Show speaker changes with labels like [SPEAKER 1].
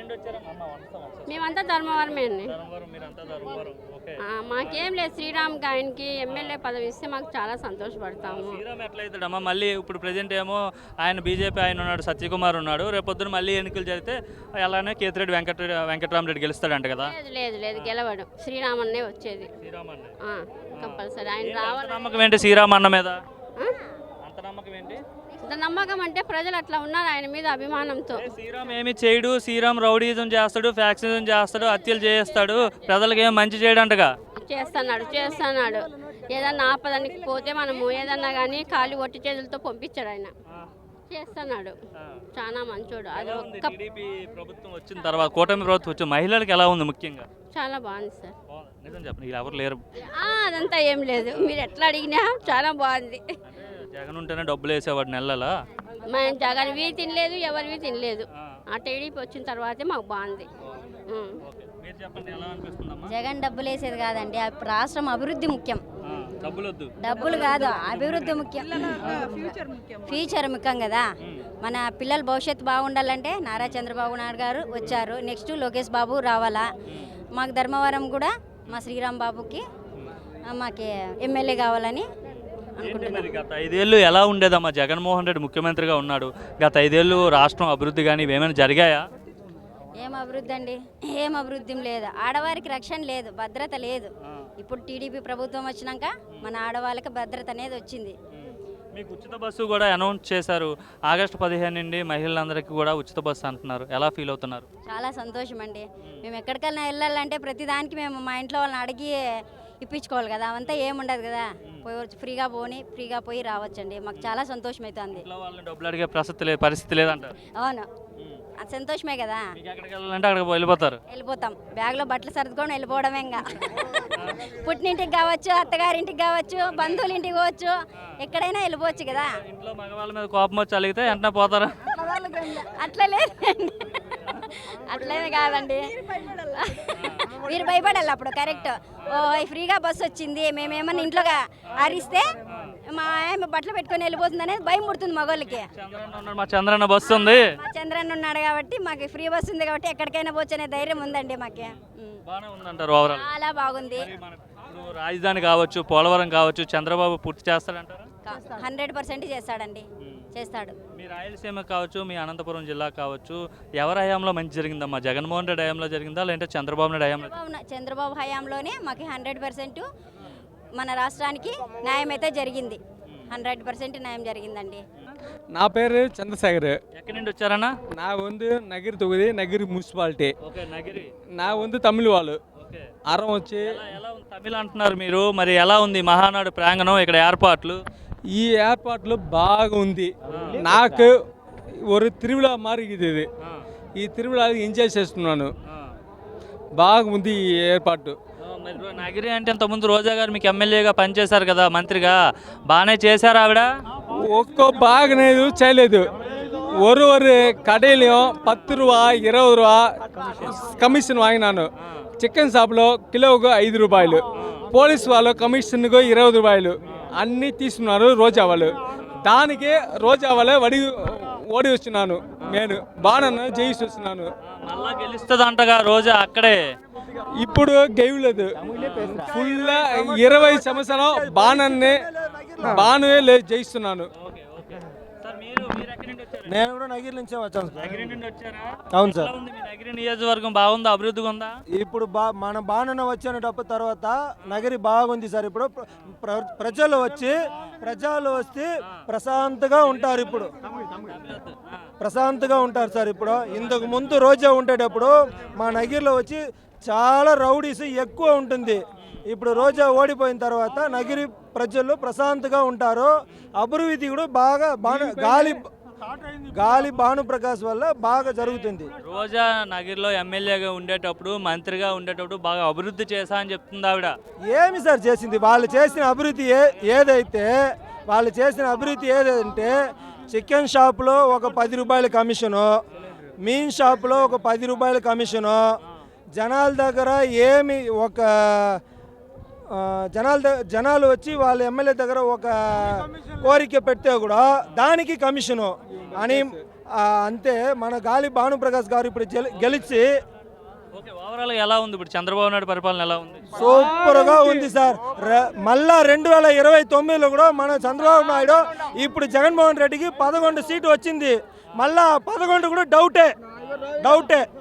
[SPEAKER 1] మేమంతా ధర్మవరమే అండి. మాకేం లేదు, శ్రీరామ్ ఆయనకి ఎమ్మెల్యే పదవి ఇస్తే మాకు చాలా సంతోషపడతాము.
[SPEAKER 2] శ్రీరామ్ ఎట్లయితాడమ్మా? మళ్ళీ ఇప్పుడు ప్రజెంట్ ఏమో ఆయన బీజేపీ ఆయన ఉన్నాడు, సత్యకుమార్ ఉన్నాడు. రేపొద్దున మళ్ళీ ఎన్నికలు జరిగితే అలానే కేతిరెడ్డి వెంకటరామరెడ్డి గెలుస్తాడంట కదా?
[SPEAKER 1] లేదు లేదు గెలవడు, శ్రీరామన్నే వచ్చేది కంపల్సరీ. ఆయన రావాలి.
[SPEAKER 2] నమ్మకం ఏంటి శ్రీరామ్ అన్న మీద? అంత నమ్మకం ఏంటి?
[SPEAKER 1] నమ్మకం అంటే ప్రజలు అట్లా ఉన్నారు ఆయన మీద అభిమానంతో.
[SPEAKER 2] శ్రీరామ్ ఏమి చేయడు, శ్రీరామ్ రౌడీజం చేస్తాడు, ఫ్యాక్సిజం చేస్తాడు, హత్యలు చేస్తాడు, ప్రజలకు ఏం మంచి చేయడంటగా.
[SPEAKER 1] చేస్తున్నాడు ఏదన్నా ఆపదానికి పోతే మనము ఏదన్నా కానీ ఖాళీ ఒట్టి చేతులతో పంపించాడు ఆయన. చేస్తున్నాడు, చాలా మంచోడు. అది ఒక్క
[SPEAKER 2] ప్రభుత్వం వచ్చిన తర్వాత, కూటమి ప్రభుత్వం వచ్చిన మహిళలకు ఎలా ఉంది ముఖ్యంగా?
[SPEAKER 1] చాలా బాగుంది సార్.
[SPEAKER 2] నిజం చెప్పండి, ఎవరు లేరు.
[SPEAKER 1] అదంతా ఏం లేదు, మీరు ఎట్లా అడిగినా చాలా బాగుంది.
[SPEAKER 2] జగన్ ఉంటేనే డబ్బులు వేసేవాడు నెలలా.
[SPEAKER 1] మేము జగన్వి తినలేదు, ఎవరివి తినలేదు. ఆ టీడీపీ వచ్చిన తర్వాతే మాకు బాగుంది.
[SPEAKER 3] జగన్ డబ్బులు వేసేది కాదండి, రాష్ట్రం అభివృద్ధి ముఖ్యం. డబ్బులు కాదు, అభివృద్ధి ముఖ్యం, ఫ్యూచర్ ముఖ్యం కదా. మన పిల్లల భవిష్యత్తు బాగుండాలంటే నారా చంద్రబాబు నాయుడు గారు వచ్చారు. నెక్స్ట్ లోకేష్ బాబు రావాలా. మాకు ధర్మవరం కూడా మా శ్రీరామ్ బాబుకి మాకు ఎమ్మెల్యే కావాలని.
[SPEAKER 2] గత 5 ఏళ్ళు ఎలా ఉండేదమ్మా? జగన్మోహన్ రెడ్డి ముఖ్యమంత్రిగా ఉన్నాడు. గత 5 ఏళ్ళు రాష్ట్రం అభివృద్ధి కానీ ఏమైనా జరిగాయా?
[SPEAKER 3] ఏం అభివృద్ధి అండి, ఏం అభివృద్ధి లేదు. ఆడవారికి రక్షణ లేదు, భద్రత లేదు. ఇప్పుడు టీడీపీ ప్రభుత్వం వచ్చినాక మన ఆడవాళ్ళకి భద్రత అనేది వచ్చింది.
[SPEAKER 2] మీకు ఉచిత బస్సు కూడా అనౌన్స్ చేశారు. ఆగస్టు 15 నుండి మహిళలందరికీ కూడా ఉచిత బస్సు అంటున్నారు. ఎలా ఫీల్ అవుతున్నారు?
[SPEAKER 3] చాలా సంతోషం అండి. మేము ఎక్కడికైనా వెళ్ళాలంటే ప్రతిదానికి మేము మా ఇంట్లో వాళ్ళని అడిగి ఇప్పించుకోవాలి కదా. అవంతా ఏముండదు కదా, ఫ్రీగా ఫ్రీగా పోయి రావచ్చండి. మాకు చాలా సంతోషం అవుతుంది.
[SPEAKER 2] డబ్బులు అడిగే పరిస్థితి లేదంట.
[SPEAKER 3] అవును, అది సంతోషమే కదా.
[SPEAKER 2] ఎక్కడికి వెళ్ళాలంటే అక్కడికి వెళ్ళిపోతాం.
[SPEAKER 3] బ్యాగ్లో బట్టలు సర్దుకొని వెళ్ళిపోవడమే. ఇంకా పుట్టినింటికి కావచ్చు, అత్తగారింటికి కావచ్చు, బంధువుల ఇంటికి పోవచ్చు, ఎక్కడైనా వెళ్ళిపోవచ్చు కదా.
[SPEAKER 2] ఇంట్లో మగవాళ్ళ మీద కోపం వచ్చి అలిగితే వెంటనే పోతారా?
[SPEAKER 3] అట్లా లేదండి, అట్లేమి కాదండి. మీరు భయపడాలి అప్పుడు. కరెక్ట్, ఫ్రీగా బస్సు వచ్చింది, మేమేమన్నా ఇంట్లోగా అరిస్తే మా ఆయన బట్టలు పెట్టుకొని వెళ్ళిపోతుంది అనేది భయం పుడుతుంది మగవాళ్ళకి.
[SPEAKER 2] మా చంద్రన్న బస్సు ఉంది,
[SPEAKER 3] మా చంద్రన్న ఉన్నాడు కాబట్టి మాకు ఫ్రీ బస్సు ఉంది కాబట్టి ఎక్కడికైనా పోవచ్చు అనే ధైర్యం ఉందండి మాకు. చాలా బాగుంది.
[SPEAKER 2] రాజధాని కావచ్చు, పోలవరం కావచ్చు, చంద్రబాబు పూర్తి చేస్తాడంటారా?
[SPEAKER 3] 100% చేస్తాడండి, చేస్తాడు.
[SPEAKER 2] మీ రాయలసీమ కావచ్చు, మీ అనంతపురం జిల్లా కావచ్చు, ఎవరి హయాంలో మంచి జరిగిందమ్మా? జగన్మోహన్ రెడ్డి హయాంలో జరిగిందా, లేదంటే చంద్రబాబు నాయుడు హయాంలో?
[SPEAKER 3] చంద్రబాబు హయాంలోనే మాకు 100% మన రాష్ట్రానికి న్యాయం అయితే జరిగింది. 100% న్యాయం జరిగిందండి.
[SPEAKER 4] నా పేరు చంద్రశేఖర్.
[SPEAKER 2] ఎక్కడి నుండి వచ్చారన్నా?
[SPEAKER 4] నా వందు నగిరి తొగుది, నగిరి మున్సిపాలిటీ. నా వందు తమిళ వాళ్ళు అరం వచ్చి.
[SPEAKER 2] తమిళ అంటున్నారు మీరు, మరి ఎలా ఉంది మహానాడు ప్రాంగణం, ఇక్కడ ఏర్పాట్లు?
[SPEAKER 4] ఈ ఏర్పాట్లు బాగా ఉంది. నాకు ఒక తిరుమల మారిగిది ఇది. ఈ తిరుమల ఎంజాయ్ చేస్తున్నాను, బాగుంది ఈ ఏర్పాటు.
[SPEAKER 2] నగిరి అంటే ఇంతకుముందు రోజా గారు మీకు ఎమ్మెల్యేగా పనిచేశారు కదా, మంత్రిగా, బాగానే చేశారు ఆవిడ?
[SPEAKER 4] ఒక్కో బాగానే చేయలేదు. ஒரு கடையிலையும் 10 ரூபா 20 ரூபா కమిషన్ వాగినాను. చికెన్ షాప్లో కిలోకు 5 రూపాయలు, పోలీస్ వాళ్ళు కమిషన్కు 20 రూపాయలు అన్నీ తీసుకున్నారు రోజా వాళ్ళు. దానికి రోజా వాళ్ళే ఓడి వస్తున్నాను, నేను బాణను జయిస్తూ వస్తున్నాను.
[SPEAKER 2] మళ్ళా గెలుస్తుంది అంటగా రోజా అక్కడే.
[SPEAKER 4] ఇప్పుడు గెయలేదు, ఫుల్ 20 సంవత్సరం బాణే జయిస్తున్నాను.
[SPEAKER 5] నేను కూడా నగిరి నుంచే వచ్చాను.
[SPEAKER 2] అవును సార్. నగిరి నియోజకవర్గం బాగుందా, అభివృద్ధిగా ఉందా?
[SPEAKER 5] ఇప్పుడు మన బాణన వచ్చినప్పుడు తర్వాత నగిరి బాగుంది సార్. ఇప్పుడు ప్రజలు వస్తే ప్రశాంతంగా ఉంటారు. ఇప్పుడు ప్రశాంతంగా ఉంటారు సార్. ఇప్పుడు ఇంతకు ముందు రోజా ఉండేటప్పుడు మా నగిరిలో వచ్చి చాలా రౌడీస్ ఎక్కువ ఉంటుంది. ఇప్పుడు రోజా ఓడిపోయిన తర్వాత నగిరి ప్రజలు ప్రశాంతంగా ఉంటారు. అభివృద్ధి కూడా బాగా గాలి భానుప్రకాష్ వల్ల బాగా జరుగుతుంది.
[SPEAKER 2] రోజా నగిరిలో ఎమ్మెల్యేగా ఉండేటప్పుడు, మంత్రిగా ఉండేటప్పుడు బాగా అభివృద్ధి చేశా అని చెప్తుంది ఆవిడ.
[SPEAKER 5] ఏమి సార్ చేసింది? వాళ్ళు చేసిన అభివృద్ధి ఏదంటే చికెన్ షాప్లో ఒక 10 రూపాయల కమిషను, మీన్ షాప్లో ఒక 10 రూపాయల కమిషను, జనాల దగ్గర ఏమి ఒక జనాలు వచ్చి వాళ్ళ ఎమ్మెల్యే దగ్గర ఒక కోరిక పెడితే కూడా దానికి కమిషను అని అంతే. మన గాలి భానుప్రకాష్ గారు ఇప్పుడు గెలిచి
[SPEAKER 2] ఓకే, ఓవరాల్ ఎలా ఉంది ఇప్పుడు చంద్రబాబు నాయుడు పరిపాలన ఎలా ఉంది?
[SPEAKER 5] సూపర్గా ఉంది సార్. మళ్ళా 2029లో కూడా మన చంద్రబాబు నాయుడు ఇప్పుడు జగన్మోహన్ రెడ్డికి 11 సీటు వచ్చింది. మళ్ళా 11 కూడా డౌటే.